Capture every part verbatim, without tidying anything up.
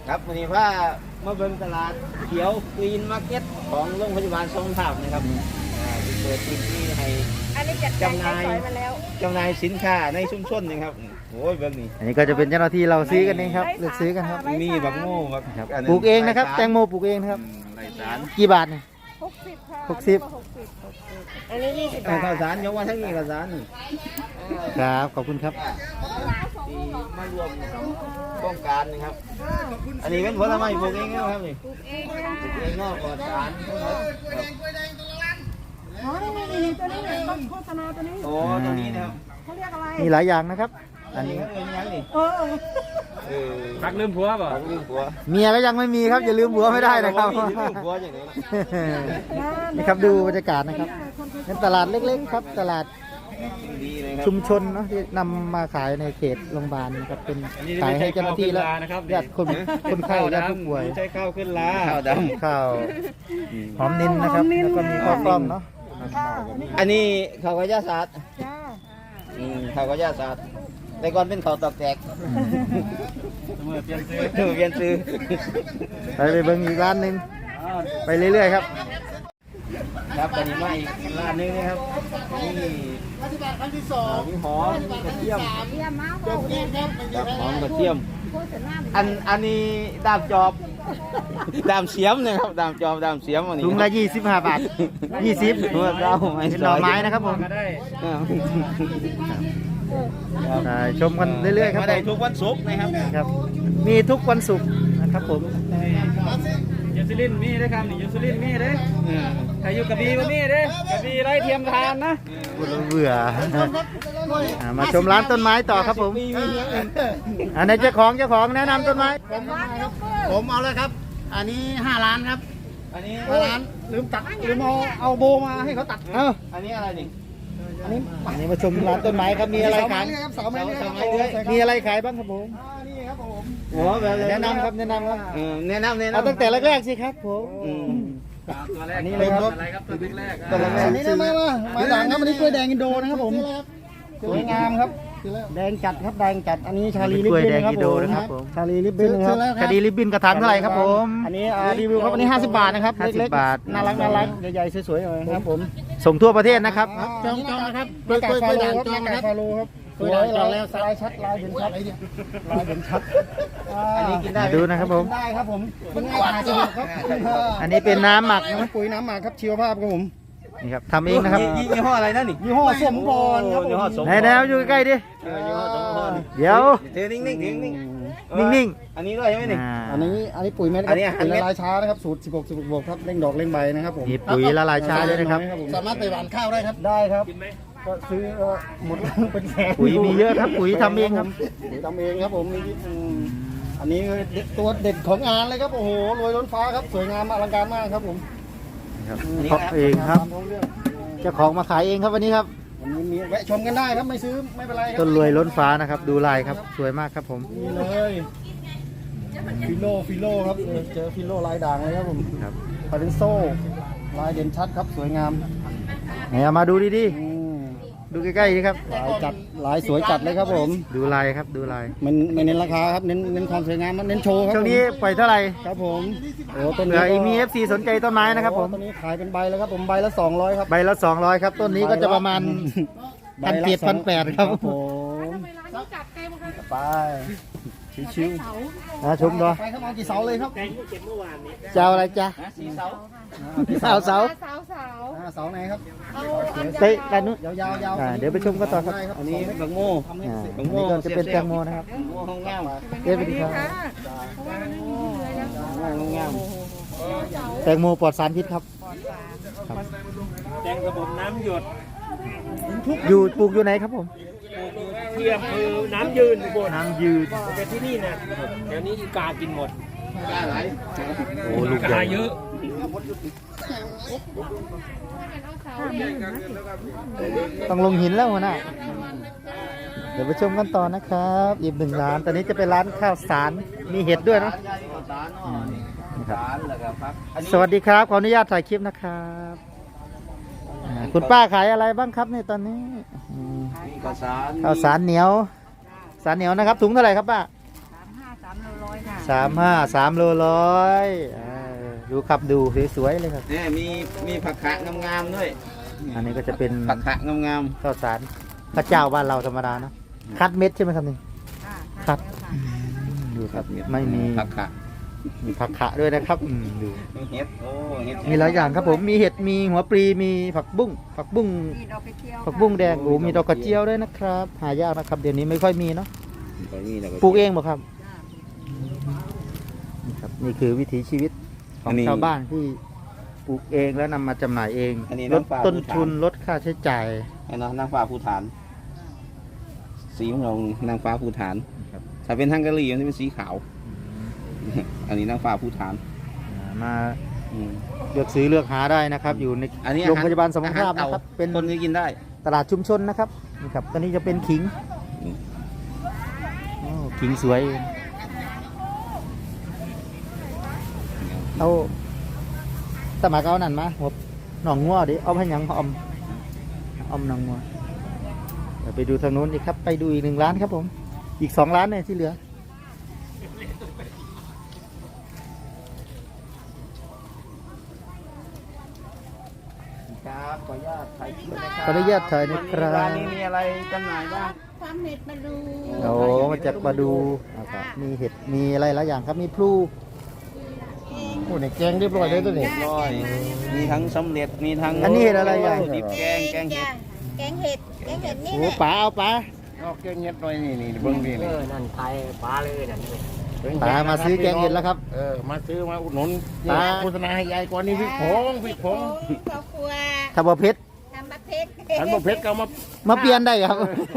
ครับวันนี้ว่ามาเบิ่งตลาดเขียวกรีนมาร์เก็ตของโรงพยาบาลทรงธรรมนะครับที่เปิดพื้นที่ให้จำหน่ายจำหน่ายสินค้าในชุมชนนะครับโอ้ยเบิ่งนี่อันนี้ก็จะเป็นเจ้าหน้าที่เราซื้อกันเองครับเลือกซื้อกันครับมีบักโง่ครับปลูกเองนะครับแตงโมปลูกเองนะครับไรสารกี่บาทเนี่ยหกสิบค่ะหกสิบอันนี้ยี่สิบบาทข้าวสารยกว่าทั้งนี้ข้าวสารนี่ครับขอบคุณครับที่มารวมโครงการนะครับอันนี้เป็นผลไม้ปลูกเองนะครับนี่ปลูกเองปลูกเองนอกปลอดสารทั้งหมดอ๋อนี่นี่นี่ตัวนี้เนี่ยต้นโฆษณาตัวนี้โอ้ตัวนี้นะครับเขาเรียกอะไรมีหลายอย่างนะครับอันนี้เออเออพักลืมผัวป่ะพักลืมผัวเมียก็ยังไม่มีครับอย่าลืมผัวไม่ได้นะครับนี่ครับดูบรรยากาศนะครับเป็นตลาดเล็กๆครับตลาดชุมชนเนาะที่นำมาขายในเขตโรงพยาบาลครับเป็นขายให้เจ้าหน้าที่แล้วญาติคนคนไข้ญาติผู้ป่วยใช้ข้าวขึ้นลาข้าวดำข้าวหอมนินนะครับแล้วก็มีข้าวกล้องเนาะอันนี้ข้าวกระยาศาสตร์ข้าวกระยาศาสตร์แต่ก่อนเป็นข้าวตอกแตกเมื่อเปลี่ยนซื้อเปลี่ยนซื้อไปไปเบิ่งอีกร้านหนึ่งไปเรื่อยๆครับครับตอนนี้มาอีกร้านนึงนะครับนี่มีหอมกระเทียมหอมกระเทียมอันอันนี้ดามจอบดามเสียมนะครับดามจอบดามเสียมอันนี้ถุงละยี่สิบห้าบาทยี่สิบเมื่อเราเป็นหน่อไม้นะครับผมชมกันเรื่อยๆครับได้ทุกวันศุกร์นะครับครับมีทุกวันศุกร์นะครับผมยูซิลินมีได้ครับนี่ยูซิลินมีได้ใครอยู่กระบี่ก็มีได้กระบี่ไร้เทียมทานนะเบื่อมาชมร้านต้นไม้ต่อครับผมอันนี้เจ้าของเจ้าของแนะนำต้นไม้ผมเอาเลยครับอันนี้ห้าล้านครับอันนี้ห้าล้านลืมตัดลืมเอาเอาโบมาให้เขาตัดเอ้าอันนี้อะไรนี่อันนี้อันนี้มาชมร้านต้นไม้ครับมีอะไรขายเสาไม้มีอะไรขายบ้างครับผมนี่ครับผมโอ้แนะนำครับแนะนำครับแนะนำแนะนำเอาตั้งแต่แรกๆสิครับผมตัวแรกนี่เลยครับอะไรครับตัวแรกตัวแรกนี่นะมามามาหลังครับอันนี้กล้วยแดงอินโดนะครับผมสวยงามครับแดงจัดครับแดงจัดอันนี้ชาลีลิบบิ้นนะครับผมชาลีลิบบิ้นครับคดีลิบบิ้นกระถางเท่าไหร่ครับผมอันนี้รีวิวครับอันนี้ห้าสิบบาทนะครับเล็กๆน่ารักน่ารักใหญ่ๆสวยๆเลยครับผมส่งทั่วประเทศนะครับจองจองนะครับกล้วยกล้วยด่างจองนะครับฟาโลครับสวยลายแล้วลายชัดลายเห็นชัดลายเห็นชัดอันนี้กินได้ดูนะครับผมได้ครับผมเป็นง่ายสุดครับอันนี้เป็นน้ำหมักนะปุ๋ยน้ำหมักครับชีวภาพครับผมนี่ครับทำเองนะครับยี่ห้ออะไรนั่นนี่ยี่ห้อสมพรครับยี่ห้อสมพรไหนแล้วอยู่ใกล้ดิยี่ห้อสมพรเดี๋ยวเธอนิ่งๆนิ่งนิ่งนิ่งๆอันนี้ด้วยใช่ไหมนี่อันนี้อันนี้ปุ๋ยเม็ดครับปุ๋ยละลายช้านะครับสูตรสิบหก สิบหกบวกครับเร่งดอกเร่งใบนะครับผมมีปุ๋ยละลายช้าด้วยนะครับสามารถไปหว่านข้าวได้ครับได้ครับก็ซื้อหมดเป็นแสนปุ๋ยมีเยอะครับปุ๋ยทำเองครับปุ๋ยทำเองครับผมอันนี้ตัวเด็ดของงานเลยครับโอ้โหรวยล้นฟ้าครับสวยงามอลังการมากครับผมเพาะเองครับเจ้าของมาขายเองครับวันนี้ครับวันนี้มีแวะชมกันได้ครับไม่ซื้อไม่เป็นไรครับต้นรวยล้นฟ้านะครับดูลายครับสวยมากครับผมนี่เลยฟิโลฟิโลครับเจอฟิโลลายด่างเลยครับผมครับปาเรนโซลายเด่นชัดครับสวยงามไหนเอามาดูดีๆดูใกล้ๆดีครับลายจัดลายสวยจัดเลยครับผมดูลายครับดูลายมันไม่เน้นราคาครับเน้นเน้นความสวยงามเน้นโชว์ครับช่วงนี้ปล่อยเท่าไหร่ครับผมโอ้ต้นนี้มี เอฟ ซี สนใจต้นไม้นะครับผมต้นนี้ขายเป็นใบแล้วครับผมใบละสองร้อยครับใบละสองร้อยครับต้นนี้ก็จะประมาณพันเจ็ดพันแปดครับผมไปชิวๆนะชมดูไปครับเอากี่เสาเลยครับเจ้าอะไรจ้ะสี่เสาเสาเสาเสาเสาเสาไหนครับเตะด้านนู้นยาวยาวเดี๋ยวไปชมกันต่อครับอันนี้บักโม่บักโม่จะเป็นแตงโมนะครับห้องงามเอ๊ะไปดีครับห้องงามแตงโมปลอดสารพิษครับแตงระบบน้ำหยดอยู่ปลูกอยู่ไหนครับผมเทียมคือน้ำยืนบนน้ำยืนแต่ที่นี่นะเดี๋ยวนี้อีกากินหมดกาไหลโอ้ลูกใหญ่เยอะต้องลงหินแล้วนะเดี๋ยวไปชมกันต่อนะครับอีกหนึ่งร้านตอนนี้จะเป็นร้านข้าวสารมีเห็ดด้วยนะสวัสดีครับขออนุญาตถ่ายคลิปนะครับคุณป้าขายอะไรบ้างครับในตอนนี้ข้าวสารข้าวสารเหนียวสารเหนียวนะครับถุงเท่าไหร่ครับป้าสามห้าสามร้อยค่ะสามห้าสามโลร้อยอ่าดูครับดูสวยๆเลยครับเนี่ยมีมีผักขะงามๆด้วยอันนี้ก็จะเป็นผักขะงามข้าวสารข้าวเจ้าบ้านเราธรรมดาเนาะคัดเม็ดใช่ไหมครับนี่คัดอืมดูครับไม่มีผักขะมีผักขะด้วยนะครับอืมดูมีเห็ดโอ้เห็ดมีหลายอย่างครับผมมีเห็ดมีหัวปลีมีผักบุ้งผักบุ้งมีดอกกระเจียวผักบุ้งแดงโอ้มีดอกกระเจียวด้วยนะครับหายากนะครับเดี๋ยวนี้ไม่ค่อยมีเนาะตรงนี้แล้วปลูกเองบ่ครับนี่ครับนี่คือวิถีชีวิตของชาวบ้านที่ปลูกเองแล้วนำมาจำหน่ายเองลดต้นทุนลดค่าใช้จ่ายไอ้เนาะนางฟ้าภูฐาน สีของเรานางฟ้าภูฐานถ้าเป็นฮังการีมันจะเป็นสีขาว อันนี้นางฟ้าภูฐานอ่ามาอืมเลือกซื้อเลือกหาได้นะครับ อยู่ในอันนี้โรงพยาบาลสมรภาพอหนะครับ เป็นคนก็กินได้ตลาดชุมชนนะครับนี่ครับตอนนี้จะเป็นขิงอืมโอ้ขิงสวยเอาสมัครเอานั่นมาหัวหนองงัวดิเอาให้หยังอมอมหนองงัวเดี๋ยวไปดูทางนู้นอีกครับไปดูอีกหนึ่งร้านครับผมอีกสองร้านเนี่ยที่เหลือครับขออนุญาตถ่ายคลิปนะครัขออนุญาตถ่ายนะครับร้านนี้มีอะไรจำหน่ายบ้างความเห็ดมาดูโอ้มาจากมาดูนะครับมีเห็ดมีอะไรหลายอย่างครับมีพลูโอ้เนี่ยแกงเรียบร้อยเลยตัวนี้ร้อยมีทั้งสำเร็จมีทั้งอันนี้เห็ดอะไรอย่างดิบแกงแกงเห็ดแกงเห็ดแกงเห็ดนี่โอ้แหละป๋าเอาป๋าเอาแกงเห็ดหน่อยนี่นี่เบิ่งนี่เอนี่อ นั่นไทยปลาเลยนั่นเลยป๋ามาซื้อแกงเห็ดแล้วครับเออมาซื้อมาอุดหนุนตาโฆษณาให้ยายก่อนนี่พริกผงพริกผงข้าวคั่วถ้าบ่เพชรทำมะเพชรฉันบอกเพชรก็เอามามาเปลี่ยนได้ครับ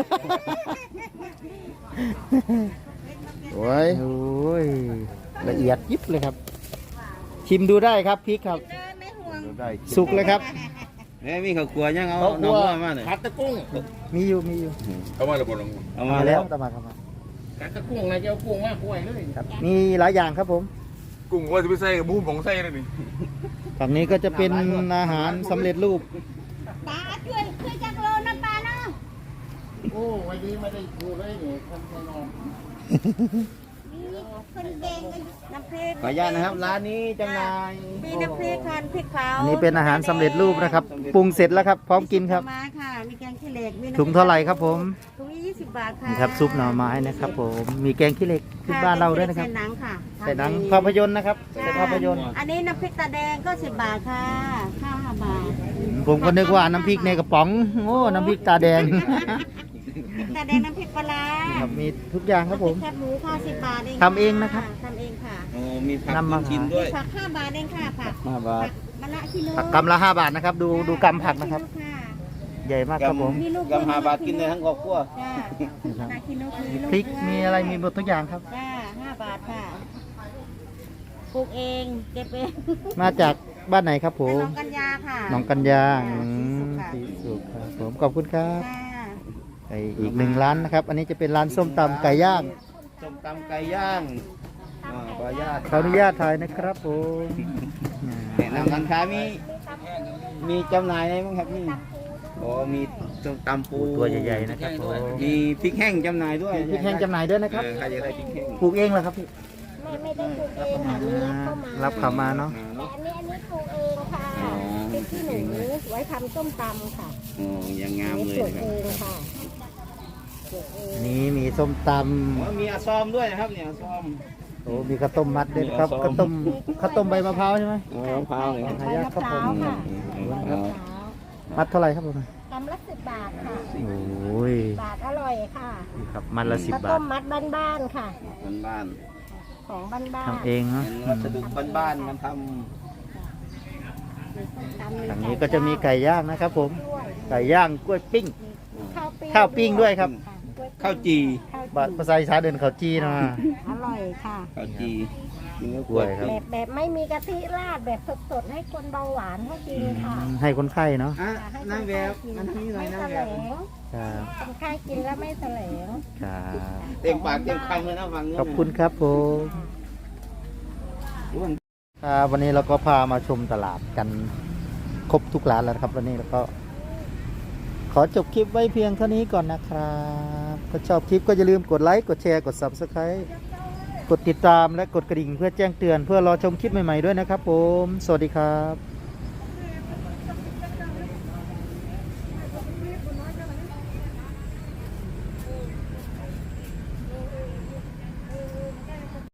โอ้ยโอ้ยละเอียดยิบเลยครับ ชิมดูได้ครับพริกครับเดินไม่ห่วงได้สุกเลยครับเนี่ยมีข้าวคั่วยังเอาเขาน้คั่องวว่ามาหน่อยผัดตะกุ้งมีอยู่มีอยู่เอามาระบบลงเอามามาแล้แล้ว วตามมาครับมาผัดตะกุ้งนะจะเอากุ้งมากกล้วยเลยครับ มีหลายอย่างครับผมกุ้งว่าจะไปใส่กับบูมของใส่เลยนี่ฝั่งนี้ก็จะเป็นอาหารสำเร็จรูปปลาช่วยช่วยจักรโลนะปลาเนาะโอ้วันนี้ไม่ได้ดูเลยนี่คนไปนอนมีคนแดงกันน้ำพริกขออนุญาตนะครับร้านนี้จำหน่ายมีน้ำพริกค่ะพริกเผาอันนี้เป็นอาหารสำเร็จรูปนะครับปรุงเสร็จแล้วครับ พร้อมกินครับมาค่ะ มีแกงขี้เหล็กมีน้ำพริกถุงเท่าไหร่ครับผมถุงนี้ยี่สิบบาทค่ะนี่ครับซุปหน่อไม้นะครับ ผมมีแกงขี้เหล็กขึ้นบ้านเราด้วยนะครับใส่หนังค่ะใส่หนังภาพยนตร์นะครับใส่ภาพยนตร์อันนี้น้ำพริกตาแดงก็สิบบาทค่ะ ข้าวห้าบาทผมก็นึกว่าน้ำพริกในกระป๋องโอ้น้ำพริกตาแดงตาแดงน้ำพริกปลาร้าครับมีทุกอย่างครับผมแคบหมูค่ะสิบบาทเองทำเองนะครับทำเองค่ะโอ้มีผักนำมากินขายด้วยผักห้าบาทเองค่ะผักห้าบาทมะละกิโลผักกำละห้าบาทนะครับ ดูดูกำผักนะครับ ใหญ่มากครับผมกำกำหาบาทกินได้ทั้งครอบครัวจ้านะครับนากิโลคือมีพริกมีอะไรมีหมดทุกอย่างครับจ้าห้าบาทค่ะปลูกเองเก็บเองมาจากบ้านไหนครับผมน้องกัญญาค่ะหนองกัญญาอืมสีสีสุสุกกค่ะครับผมขอบคุณครับค่ะไปอีกหนึ่งร้านนะครับ อันนี้จะเป็นร้านส้มตำไก่ย่างส้มตำไก่ย่างอ่าขออนุญาตขออนุญาตถ่ายนะครับผมแนะนำร้านค้ามีมีจำหน่ายอะไรบ้างครับนี่โอ้มีส้มตำปูตัวใหญ่ๆนะครับผมมีพริกแห้งจำหน่ายด้วยพริกแห้งจำหน่ายด้วยนะครับเออใครจะได้พริกแห้งปลูกเองเหรอครับพี่ไม่ไม่ได้ปลูกเองค่ะนี่รับเข้ามารับเข้ามาเนาะอ่าแต่เนาะอันนี้อันนี้ปลูกเองค่ะอ๋อเป็นที่หนูไว้ทำส้มตำค่ะโอ้ยังงามอันเลนี้ยปลูกนะครับเองค่ะปลูกเองอันนี้มีส้มตอ๋อมีอาซอมด้วยนะครับเนี่ยอาซอมำโอ้มีข้าวต้มมัดด้วยครับมีข้าวต้มข้าวต้มใบมะพร้าวใช่ไหมอ๋อมะพร้าวเลยครับหายากครับผมใบมะพร้าวค่ะอืมมะพร้าวมัดเท่าไหร่ครับผมกำละสิบบาทค่ะโอ้ยบาทอร่อยค่ะนี่ครับมัดละสิบข้าวบาต้ทมมัดบ้านๆค่ะบ้านของบ้านๆทำเองเนาะๆเป็นวัสดุบ้านๆมันททางนี้ก็จะมีไก่ย่างนะครับ ผม ไก่ย่างกล้วยปิ้งข้าวปิ้งข้าวปิ้งด้วยครับำข้าวจีบาภาษาอีสานเดินข้าวจีเนาะอร่อยค่ะข้าวจีกินกับกล้วยครับแบบแบบไม่มีกะทิราดแบบสดๆให้คนเบาหวานเขากินค่ะให้คนไข้เนาะอ่ะให้คนางนแบไข้บกินมันนี่หน่อยไม่นางแสแบลบงครับคนไข้กินแล้วไม่แสลงครับเต็มปากเต็มคำเลยนะฟังเนี่ยขอบคุณครับผมครับวันนี้เราก็พามาชมตลาดกันครบทุกร้านแล้วนะครับ วันนี้เราก็ ขอจบคลิปไว้เพียงเท่านี้ก่อนนะครับ ก็ชอบคลิปก็อย่าลืมกดไลค์ กดแชร์ กด ซับสไครบ์กดติดตามและกดกระดิ่งเพื่อแจ้งเตือนเพื่อรอชมคลิปใหม่ๆด้วยนะครับผม สวัสดีครับ